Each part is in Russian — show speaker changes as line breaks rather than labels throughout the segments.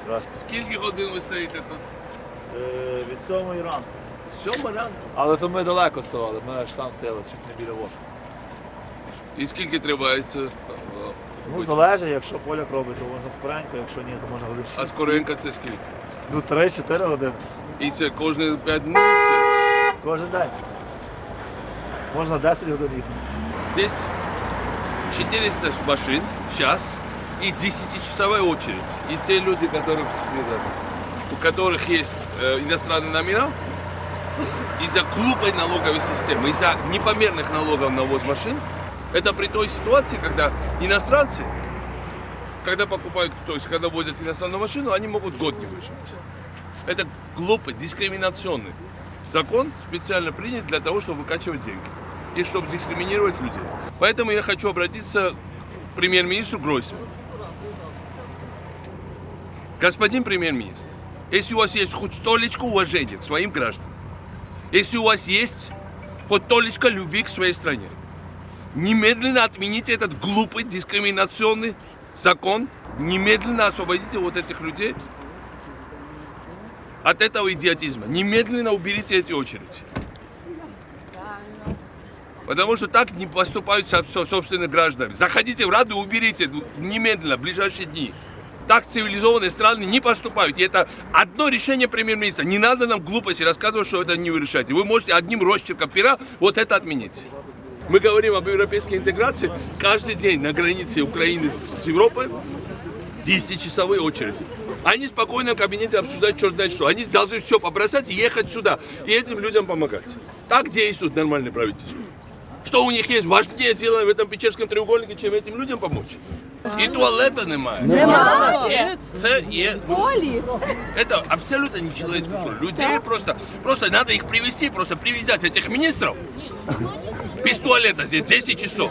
Скільки годин ви стоїте тут?
Від 7 ранку.
7 ранку.
Але то ми далеко ставали, ми ж там стояли, чуть не біля воду.
І скільки тривається?
Ну, залежить, якщо поляк робить, то можна скоренько, якщо ні, то можна годин 6.
А скоренько це скільки?
Ну, 3-4 години.
І це кожні 5 днів?
Кожен день. Можна 10 годин їхати.
Здесь 400 машин сейчас и 10-часовая очередь. И те люди, у которых есть иностранные номера, из-за глупой налоговой системы, из-за непомерных налогов на ввоз машин, это при той ситуации, когда иностранцы, когда покупают, то есть когда возят иностранную машину, они могут год не выжить. Это глупый, дискриминационный закон, специально принят для того, чтобы выкачивать деньги и чтобы дискриминировать людей. Поэтому я хочу обратиться к премьер-министру Гройсману. Господин премьер-министр, если у вас есть хоть толечко уважения к своим гражданам, если у вас есть хоть толечко любви к своей стране, немедленно отмените этот глупый дискриминационный закон, немедленно освободите вот этих людей от этого идиотизма, немедленно уберите эти очереди. Потому что так не поступают со собственными гражданами. Заходите в Раду и уберите немедленно, в ближайшие дни. Так цивилизованные страны не поступают. И это одно решение премьер-министра. Не надо нам глупости рассказывать, что это не вы решаете. Вы можете одним росчерком пера вот это отменить. Мы говорим об европейской интеграции. Каждый день на границе Украины с Европой 10-часовые очереди. Они спокойно в кабинете обсуждают черт знает что. Они должны все побросать и ехать сюда. И этим людям помогать. Так действует нормальное правительство. Что у них есть важнее сделано в этом Печерском треугольнике, чем этим людям помочь? І туалета немає.
Немає.
Це є. Это абсолютно нечеловеческое условие. Людей просто надо их привести, просто привязать этих министров. Без туалета здесь 10 часов.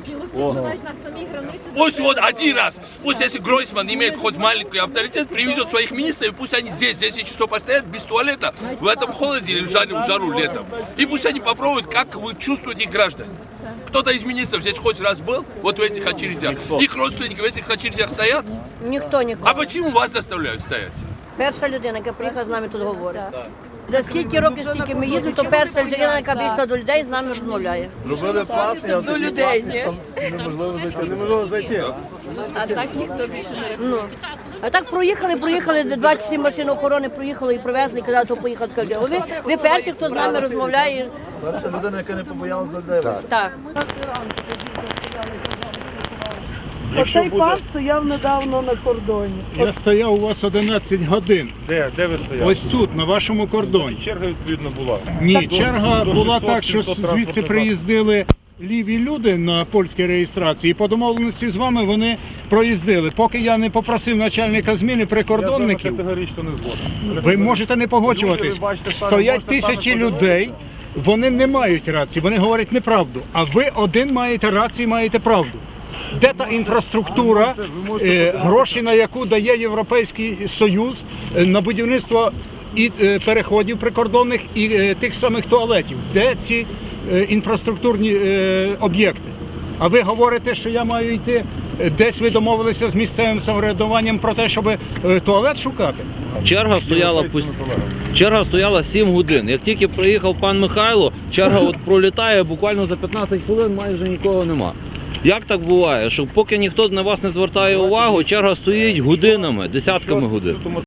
Пусть вот один раз, пусть если Гройсман имеет хоть маленький авторитет, привезет своих министров, и пусть они здесь 10 часов постоят без туалета, в этом холоде или в жару летом. И пусть они попробуют, как вы чувствуете их граждан. Кто-то из министров здесь хоть раз был, вот в этих очередях. Их родственники в этих очередях стоят.
Ніхто ніколи.
А почему вас заставляют стоять?
Перша людина, яка приїхала з нами тут говорить. За скільки років, скільки ми їздимо, то перша людина, яка вийшла до людей, з нами розмовляє.
Зробили платний,
До людей, ні?
неможливо зайти.
А так ніхто більше не А так проїхали, 27 машин охорони проїхали і привезли, і казали, що поїхали. Ви перші, хто з нами розмовляє.
Перша людина, яка не побоялася людей.
Так.
Оцей пан стояв недавно на кордоні.
Я стояв у вас 11 годин.
Де ви стояли?
Ось тут, на вашому кордоні.
Черга відповідно була.
Ні, черга
до
була
600,
так, що
700
звідси
транспортних
приїздили ліві люди на польській реєстрації. І по домовленості з вами вони проїздили. Поки я не попросив начальника зміни прикордонників,
Я категорично не згоден.
ви можете не погоджуватись.
Люди, ви бачите,
Стоять
можете
тисячі
самі
людей, вони не мають рації, вони говорять неправду. А ви один маєте рацію, маєте правду. Де та інфраструктура, гроші на яку дає Європейський Союз на будівництво і переходів прикордонних, і тих самих туалетів? Де ці інфраструктурні об'єкти? А ви говорите, що я маю йти, десь ви домовилися з місцевим самоврядуванням про те, щоб туалет шукати?
Черга стояла 7 годин. Як тільки приїхав пан Михайло, черга от пролітає, буквально за 15 хвилин майже нікого нема. Як так буває, що поки ніхто на вас не звертає увагу, черга стоїть годинами, десятками годин?